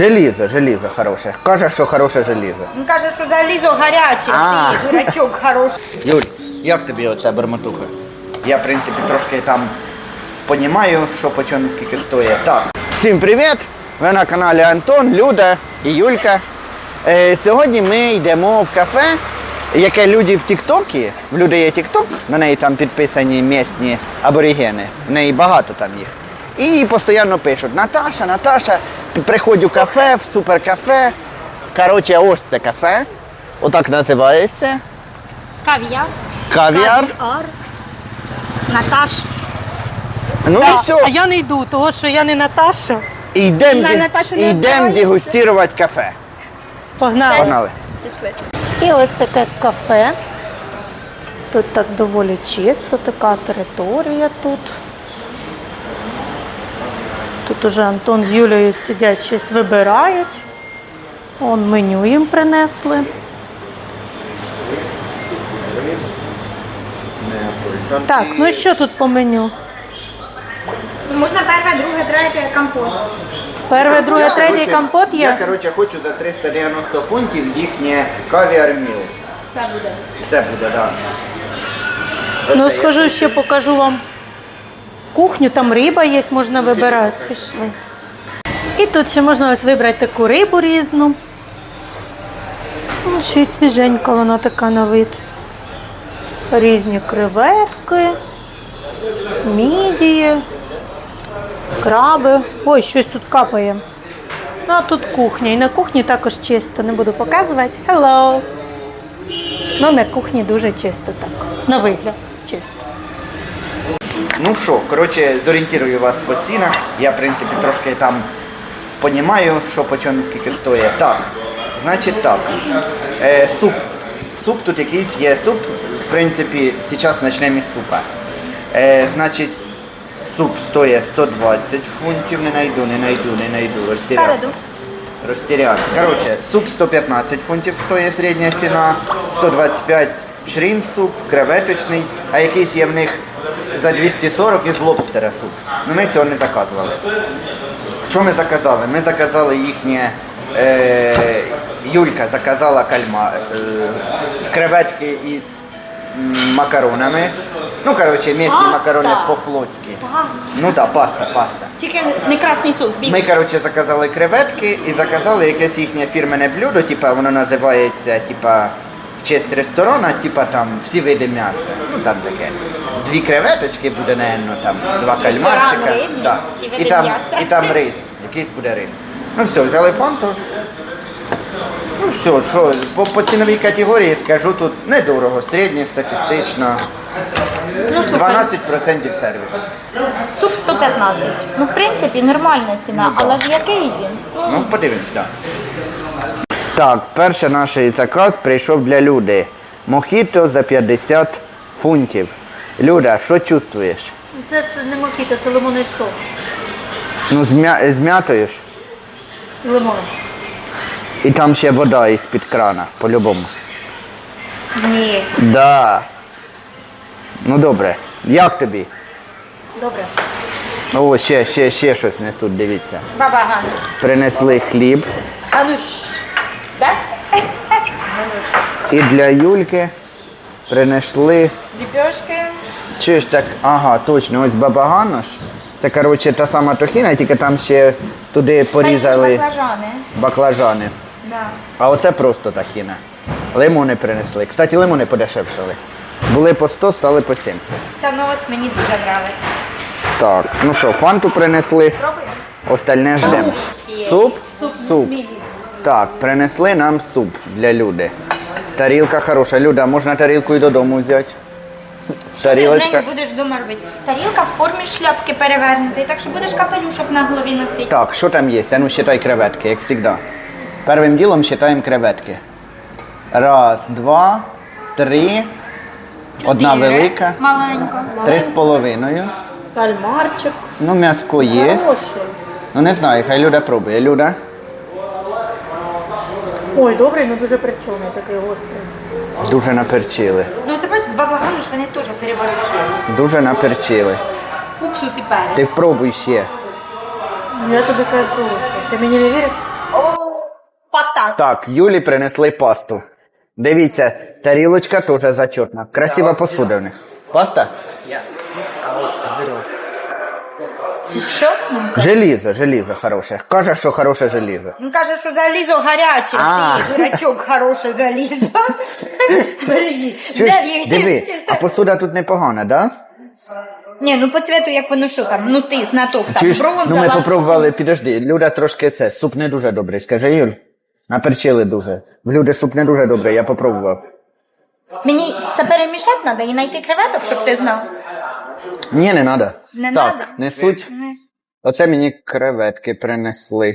Желізо хороше. Каже, що хороше желізо. Він каже, що залізо гаряче, ти дурачок хороший. Юль, як тобі оця бермотуха? Я, в принципі, трошки там понімаю, що по чому скільки стоїть. Так. Всім привіт! Ви на каналі Антон, Люда і Юлька. Сьогодні ми йдемо в кафе, яке люди в Тіктокі, в Люди є Тікток, на неї там підписані місні аборигени, в неї багато там їх. І постійно пишуть: Наташа, приходь у кафе, в суперкафе. Коротше, ось це кафе, отак називається. Кав'яр. Кав'яр. Наташ. Ну і все. А я не йду, тому що я не Наташа. Йдемо дегустувати кафе. Погнали. Погнали. Пішли. І ось таке кафе. Тут так доволі чисто, така територія тут. Тут уже Антон з Юлею сидять, щось вибирають. Вон меню їм принесли. Так, ну і що тут по меню? Можна перше, друге, третє, компот. Перше, друге, третє компот є? Я, хочу за 390 фунтів їхнє кавіар міл. Все буде. Все буде, так. Ну, схожу, ще покажу вам кухню, там риба є, можна вибирати. Пішли. І тут ще можна ось вибрати таку рибу різну. Ну, ще й свіженька вона така на вид. Різні креветки, мідії, краби. Ой, щось тут капає. Ну, а тут кухня. І на кухні також чисто. Не буду показувати. Hello! Ну, на кухні дуже чисто так. На вигляд чисто. Ну що, зорієнтую вас по цінах. Я, в принципі, трошки там понімаю, що по чому скільки стоїть. Так, значить так. Суп. Суп тут якийсь є суп. В принципі, зараз почнемо із супа. Значить, суп стоїть 120 фунтів. Не знайду. Розтірявся. Коротше, суп 115 фунтів стоїть середня ціна, 125 шрімп суп, креветочний, а якийсь є в них за 240 із лобстера суп. Ну ми цього не заказували. Що ми заказали? Ми заказали їхнє, Юлька заказала креветки із макаронами. Ну, місні макарони по-флотськи. Ну так, паста. Тільки не красний соус, білий. Ми, заказали креветки і заказали якесь їхнє фірменне блюдо, воно називається, в честь ресторана, там всі види м'яса. Ну, там таке. 2 креветочки буде, там 2 кальмарчика. Рибний, Да. всі види м'яса. І там рис, якийсь буде рис. Ну все, взяли фанту. Ну все, що, по ціновій категорії скажу, тут недорого, середньостатистично. 12% сервіс. Суп 115. Ну, в принципі, нормальна ціна, але ж який він? Ну, подивимось, так. Так, перший наш заказ прийшов для Люди. Мохіто за 50 фунтів. Люда, що чувствуєш? Це ж не мохіто, це лимонний сок. Ну, з м'ятою ж. Лимон. І там ще вода із-під крана, по-любому. Ні. Да. Ну, добре. Як тобі? Добре. О, ще щось несуть, дивіться. Баба Гануш. Принесли хліб. Гануш. Так? І для Юльки принесли... Ліпешки. Чуєш так, ага, точно, ось баба Гануш. Це, та сама тохіна, тільки там ще туди порізали баклажани. Да. А оце просто тахіна. Лимони принесли. Кстати, лимони подешевшали. Були по 100, стали по 70. Ця новость мені дуже подобається. Так, ну що, фанту принесли. Пробуємо? Остальне ждемо. Суп? Суп. Так, принесли нам суп для Люди. Тарілка хороша. Люда, можна тарілку і додому взяти? Ти з нею будеш вдома робити. Тарілка в формі шляпки перевернутої, так що будеш капелюшок на голові носити. Так, що там є? А ну, считай креветки, як завжди. Першим ділом считаємо креветки. 1, 2, 3. Одна велика. Маленька. 3,5. Кальмарчик. Ну, м'яско є. Хороший. Ну, не знаю, хай Люда пробує. Люда? Ой, добрий, але дуже причомний, такий гострий. Дуже наперчили. Ну це бачиш, з баблагану ж вони теж переборщили. Дуже наперчили. Уксус і перець. Ти впробуй ще. Я тобі кажу, що ти мені не віриш? О, Так. Так, Юлі принесли пасту. Дивіться, тарілочка теж зачетна. Красива посуда в них. Паста? Це що? Желізо хороше. Каже, що хороше желізо. Він каже, що залізо гаряче. А. Ти, дурачок, хороше залізо. Бери їж. Чуєш, Де він? диви, а посуда тут непогана, да? Ні, ну по цвету, як воно що там, ну ти, знаток, там, Чуєш, бронза, ну ми лак. попробували, підожди, Люда трошки це, суп не дуже добрий, скажи, Юль. Наперчили дуже. В Люди суп не дуже добрий, я попробував. Мені це перемішати треба і знайти креветок, щоб ти знав. Ні, не треба. Не так, надо? несуть. Не. Оце мені креветки принесли.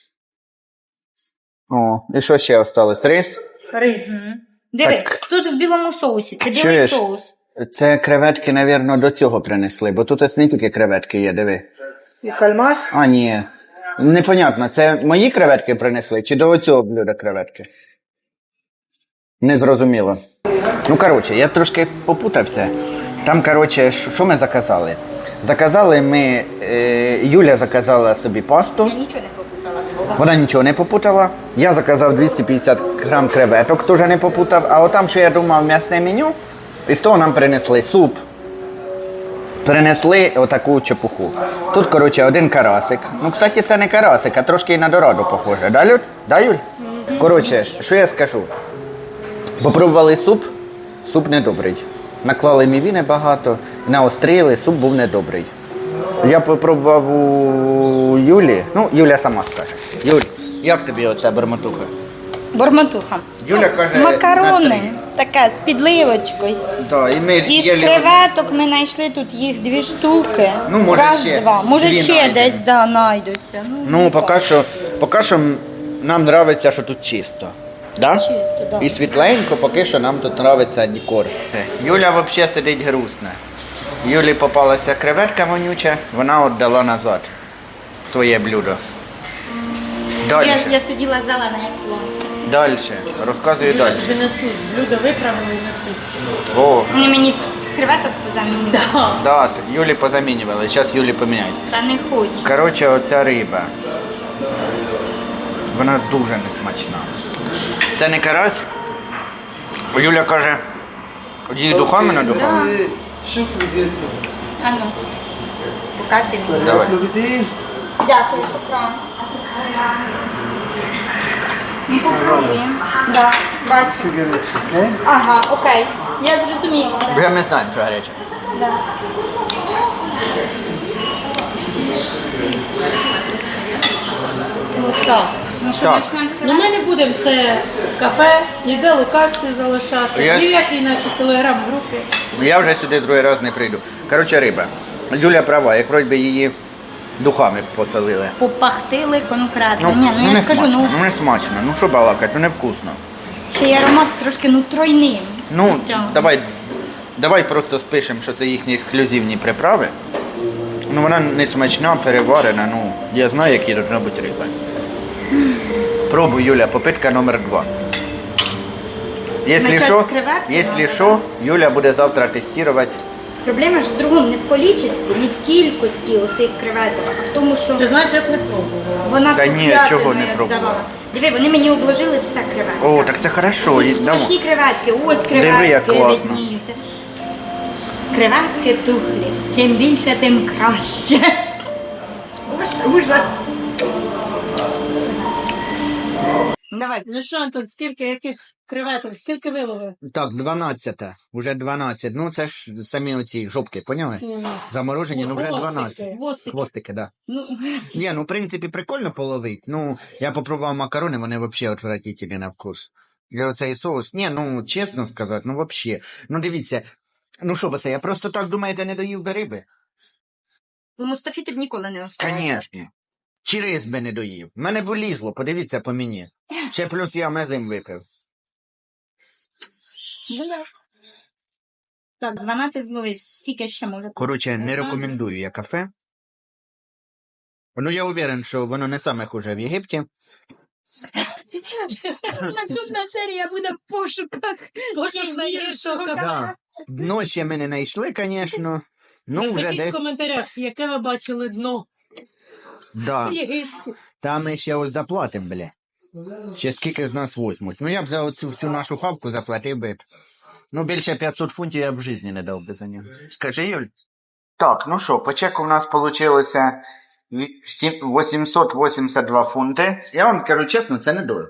О, і що ще осталось? Рис? Рис. Диви, Так. тут в білому соусі, це білий Чуєш? соус. Це креветки, напевно, до цього принесли, бо тут ось не тільки креветки є, диви. І кальмаш. А, ні. Непонятно, це мої креветки принесли, чи до цього блюда креветки? Незрозуміло. Ну, коротше, я трошки попутався. Там, коротше, що ми заказали? Заказали ми, Юля заказала собі пасту. Я нічого не попутала свого. Вона нічого не попутала. Я заказав 250 грам креветок, теж не попутав. А отам, що я думав, м'ясне меню, і з того нам принесли суп. Принесли отаку чепуху. Тут, коротше, один карасик. Ну, кстати, це не карасик, а трошки і на дораду похоже. Да, Люд? Да, Юль? Коротше, що я скажу? Попробували суп, суп недобрий. Наклали мівіни багато, наострили, суп був недобрий. Я попробував у Юлі, ну, Юля сама скаже. Юль, як тобі оця бормотуха? Бормотуха. Юля каже, на Макарони, три. таке, з підливочкою. Так, і ми Із їли- креветок ми знайшли тут їх 2 штуки. Ну, може, Раз, ще 2. Може, 2 ще знайдемо. десь, да, знайдуться. Ну, поки що нам подобається, що тут чисто. Да? Чисто, да. І світленько, поки що нам тут подобається декор. Юля взагалі сидить грустна. Юлі попалася креветка вонюча, вона віддала назад своє блюдо. Далі. Я сиділа зелена, як плон. Далі. Розказую далі. Винесуть. Блюдо виправили і несуть. О, Вони мені креветок замінили. да, Юлі позамінювали, зараз Юлі поміняють. Та не хочу. Коротше, оця риба. Вона дуже несмачна. Це не карась? Юля каже, її духами надухали? А ну, покажи мені. Давай. Дякую, шокран. Ми попробуємо. Да, бачу. Ага, окей. Я зрозуміла. Вже ми знаємо, що гаряче. Да. Так. Ну, що Так. почнемо з Ну креветок? ми не будемо це кафе, ніде локації залишати, Я- ні в якій нашій телеграм-групі. Я вже сюди другий раз не прийду. Коротше, риба. Юля права, як вроді би її духами посолили. Попахтили конкретно. Ні, ну я не ж кажу, смачно, ну не смачно. Ну що балакать, ну невкусно. ще й аромат трошки ну тройним. Ну, Хоча- давай просто спишемо, що це їхні ексклюзивні приправи. Ну вона не смачна, переварена, ну я знаю, які повинна бути риба. Пробуй, Юля, попитка номер 2. Начать Якщо з креветки? якщо що, Юля буде завтра тестувати. Проблема ж в другому, не в количестві, не в кількості оцих креветок, а в тому, що Ти знаєш, я б не пробувала. вона Та ні, купляти чого не пробувала? давала. Диви, вони мені обложили все креветки. О, так це хорошо. і дамо. Смачні креветки, ось Диви, як креветки класно. видніються. Креветки тухлі. Чим більше, тим краще. Ужас. Давай. Ну що, Антон, скільки яких креветок, скільки виловив? Так, 12. Уже 12. Ну це ж самі оці жопки, поняли? Заморожені, ну вже Хвостики. 12. Хвостики. Хвостики, да. Ну, Ні, ну в принципі прикольно половить. Ну, я попробував макарони, вони взагалі отвратительні на вкус. І оцей соус, ні, ну чесно сказати, ну взагалі. Ну дивіться, ну що це, я просто так думаєте, не доїв би риби? У Мустафі ти б ніколи не оставив. Звісно. Чи рис би не доїв? Мене б лізло, подивіться по мені. Ще плюс я мезим випив. Так, 12 зловив, скільки ще може? Коротше, не рекомендую я кафе. Ну, я уверен, що воно не саме хуже в Єгипті. Наступна серія буде в пошуках. Пошук найгіршого кафе. Да. Дно ще ми не знайшли, звісно. Ну, вже Пишіть в десь. коментарях, яке ви бачили дно Да. в Єгипті. Там ми ще ось заплатимо, бля. Ще скільки з нас возьмуть. Ну я б за оцю всю нашу хавку заплатив би. Ну більше 500 фунтів я б в житті не дав би за нього. Скажи, Юль. Так, ну що, по чеку в нас вийшло 882 фунти. Я вам кажу чесно, це недорого.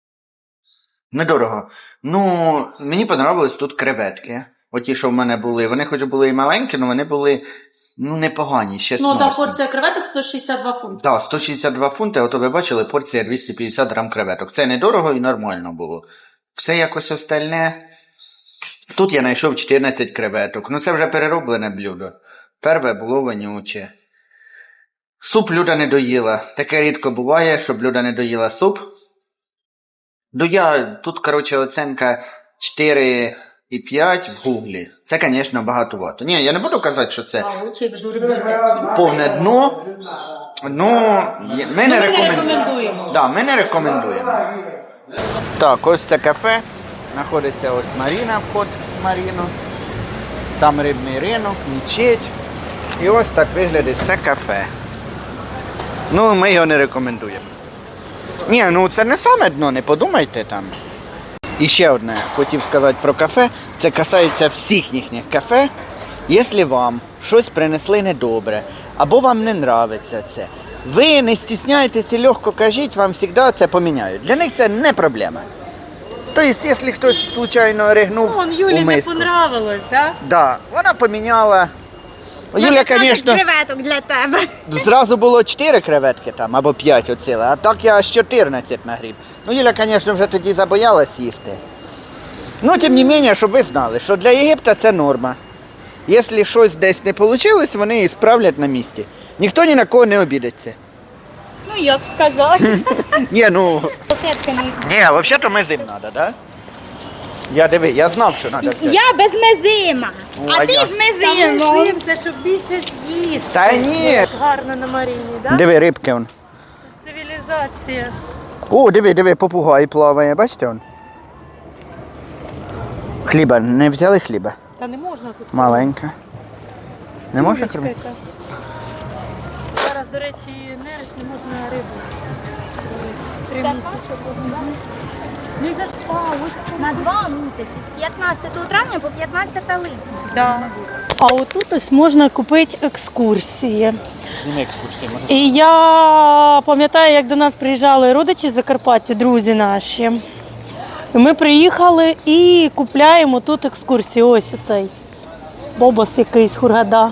Недорого. Ну, мені подобались тут креветки. Оті, що в мене були. Вони хоч були і маленькі, але вони були, ну, непогані, ще Ну, сносні. та порція креветок 162 фунти. Так, 162 фунти, ото ви бачили, порція 250 грам креветок. Це недорого і нормально було. Все якось остальне. Тут я знайшов 14 креветок. Ну це вже перероблене блюдо. Перве було вонюче. Суп Люда не доїла. Таке рідко буває, щоб Люда не доїла суп. Ну тут, коротше, оценка 4,5 в гуглі. Це, звісно, багатовато. Ні, я не буду казати, що це повне дно. Ну, ми не рекомендуємо. Да, ми не рекомендуємо. Так, ось це кафе. Знаходиться ось Маріна, вход в Маріну. Там рибний ринок, мечеть. І ось так виглядить це кафе. Ну, ми його не рекомендуємо. Ні, ну це не саме дно, не подумайте там. І ще одне хотів сказати про кафе. Це касається всіх їхніх кафе. Якщо вам щось принесли недобре, або вам не подобається це, ви не стісняйтесь і легко кажіть, вам завжди це поміняють. Для них це не проблема. Тобто, якщо хтось случайно ригнув Вон, у Юлі не миску. понравилось, да? Да, вона поміняла. Юля, звісно, креветок для тебе. зразу було 4 креветки там, або 5 оціли, а так я аж 14 нагріб. Ну, Юля, звісно, вже тоді забоялась їсти. Ну, тим не менше, щоб ви знали, що для Єгипта це норма. Якщо щось десь не вийшло, вони її справлять на місці. Ніхто ні на кого не обідеться. Ну як сказати? Ні, ну... Котлетки не їх. Ні, взагалі-то мезим треба, да? Я знав, що треба взяти. Я без мезима, Ну, а а ти я? з мезимом. Це щоб більше з'їсти. Та ні. Як гарно на Маріні, да? Диви, рибки он. Цивілізація. О, диви, попугай плаває, бачите он? Хліба, не взяли хліба? Та не можна тут. Маленька. Не можна Курочка хліба? якась. Зараз, до речі, нерест не можна рибу. На 2 місяці, з 15 травня по 15 липня. Да. А отут ось можна купити екскурсії. Зніми екскурсії, може. І я пам'ятаю, як до нас приїжджали родичі з Закарпаття, друзі наші. І ми приїхали і купляємо тут екскурсії. Ось оцей бобос якийсь, Хургада.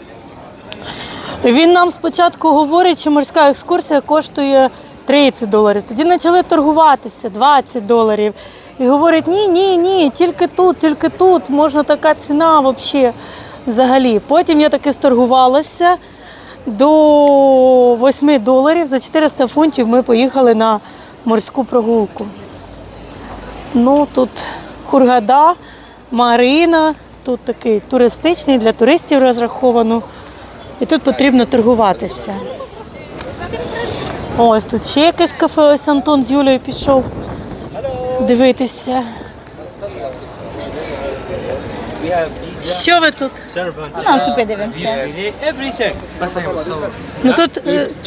Він нам спочатку говорить, що морська екскурсія коштує $30. Тоді почали торгуватися, $20. І говорить, ні, тільки тут, можна така ціна взагалі. Потім я таки сторгувалася до $8. За 400 фунтів ми поїхали на морську прогулку. Ну, тут Хургада, Марина, тут такий туристичний, для туристів розраховано. І тут потрібно торгуватися. Ось тут ще якесь кафе, ось Антон з Юлею пішов дивитися. Що ви тут? На супи дивимося. Ну тут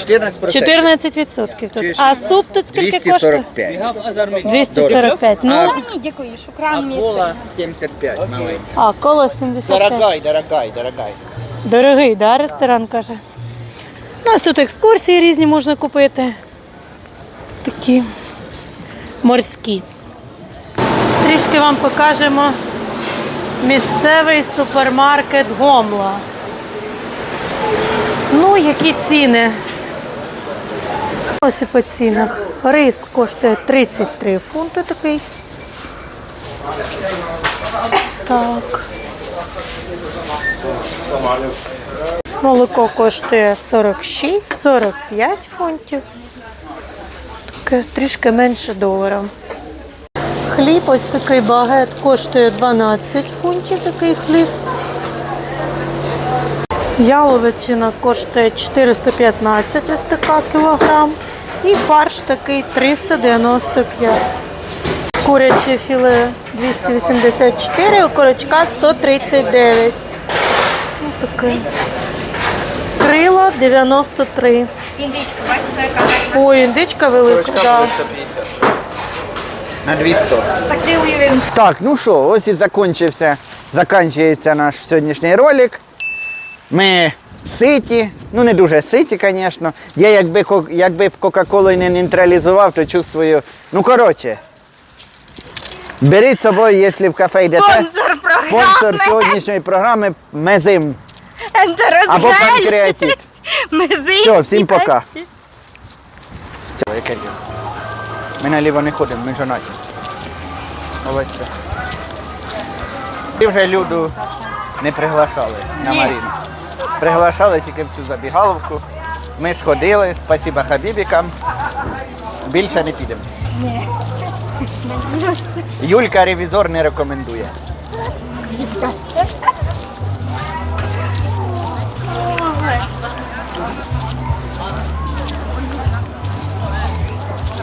14% тут. А суп тут скільки коштує? 245. 245. Ну, Ні, дякую, шукран місце. 75, маленький. а коло 75. Дорогай. Дорогий, да, ресторан, каже. У нас тут екскурсії різні можна купити. Такі морські. Трішки вам покажемо місцевий супермаркет Гомла. Ну, які ціни. Ось і по цінах. Рис коштує 33 фунти такий. Так. Молоко коштує 46-45 фунтів. Таке трішки менше $1. Хліб, ось такий багет, коштує 12 фунтів, такий хліб. Яловичина коштує 415 ось така кілограм. І фарш такий 395. Куряче філе 284, у курочка 139. Ось таке. Крила 93. Індичка, бачите, яка гарна. Ой, індичка велика, Точка да. буде 150. На 200. Так ти уявив. Так, ну що, ось і закінчується наш сьогоднішній ролик. Ми ситі, ну не дуже ситі, звісно. Я якби б Кока-Колу не нейтралізував, то чувствую. Ну коротше. Беріть з собою, якщо в кафе йдете. Спонсор програми. Спонсор сьогоднішньої програми Мезим Ентерозгель. або Панкреатит. Мези. Все, всім і пока. Пепсі. Це, яке діло? Ми наліво не ходимо, ми жонаті. Молодці. І вже Люду не приглашали на Маріну. Приглашали тільки в цю забігаловку. Ми сходили, спасіба хабібікам. Більше не підемо. Юлька ревізор не рекомендує.